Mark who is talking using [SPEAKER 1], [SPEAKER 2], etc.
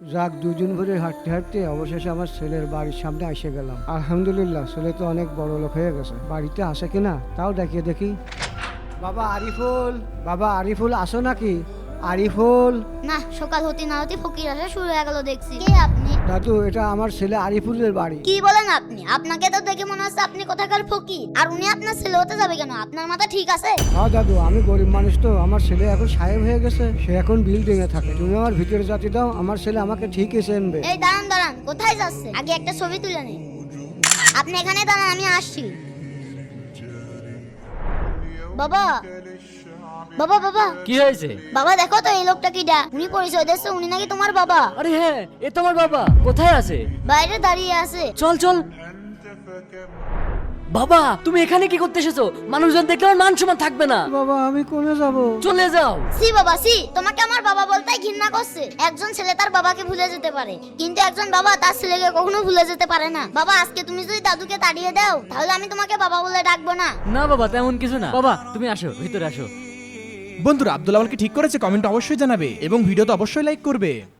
[SPEAKER 1] যাক, দুদিন ধরে হাঁটতে হাঁটতে অবশেষে আমার ছেলের বাড়ির সামনে এসে গেলাম। আলহামদুলিল্লাহ, ছেলে তো অনেক বড় লোক হয়ে গেছে। বাড়িতে আসে কিনা তাও দেখিয়ে দেখি। বাবা আরিফুল, বাবা আরিফুল, আসো নাকি? আরিফুল।
[SPEAKER 2] না, সকাল হতে না হতে ফকির আসা শুরু হয়ে গেল দেখছি। কে আপনি?
[SPEAKER 1] দাদু, এটা আমার ছেলে আরিফুলের বাড়ি।
[SPEAKER 2] কি বলেন আপনি? আপনাকে তো দেখে মনে হচ্ছে আপনি কোথাকার ফকির। আর উনি আপনার ছেলে হতে যাবে কেন? আপনার মাথা ঠিক আছে?
[SPEAKER 1] হ্যাঁ দাদু, আমি গরিব মানুষ তো। আমার ছেলে এখন সাহেব হয়ে গেছে, সে এখন বিল্ডিং এ থাকে। তুমি আমার ভিতরে জাতি দাও, আমার ছেলে আমাকে ঠিকই চেনবে।
[SPEAKER 2] এই দাঁড়ান দাঁড়ান, কোথায় যাচ্ছে? আগে একটা ছবি তুলে নিন। আপনি এখানে দাঁড়ান, আমি আসছি। বাবা বাবা বাবা
[SPEAKER 3] কি হয়েছে?
[SPEAKER 2] বাবা, দেখো তো এই লোকটা কিডা। উনি পরিচয় দিচ্ছে উনি নাকি তোমার বাবা।
[SPEAKER 3] আরে হ্যাঁ, এ তো আমার বাবা। কোথায় আছে?
[SPEAKER 2] বাইরে দাঁড়িয়ে আছে।
[SPEAKER 3] চল চল। বাবা, তুমি এখানে কি করতে এসেছো? মানুষজন দেখলে আমার মান সম্মান থাকবে না।
[SPEAKER 1] বাবা, আমি কোনে যাব?
[SPEAKER 3] চলে যাও।
[SPEAKER 2] সি বাবা সি, তোমাকে আমার বাবা বলতেই ঘৃণা করছে। একজন ছেলে তার বাবাকে ভুলে যেতে পারে, কিন্তু একজন বাবা তার ছেলেকে কখনো ভুলে যেতে পারে না। বাবা, আজকে তুমি যদি দাদুকে তাড়িয়ে দাও তাহলে আমি তোমাকে বাবা বলে ডাকবো না।
[SPEAKER 3] না বাবা, তেমন কিছু না। বাবা তুমি আসো, ভিতরে আসো।
[SPEAKER 4] বন্ধুরা, আব্দুল আওয়াল কি ঠিক করেছে? কমেন্ট অবশ্যই জানাবে এবং ভিডিওতে অবশ্যই লাইক করবে।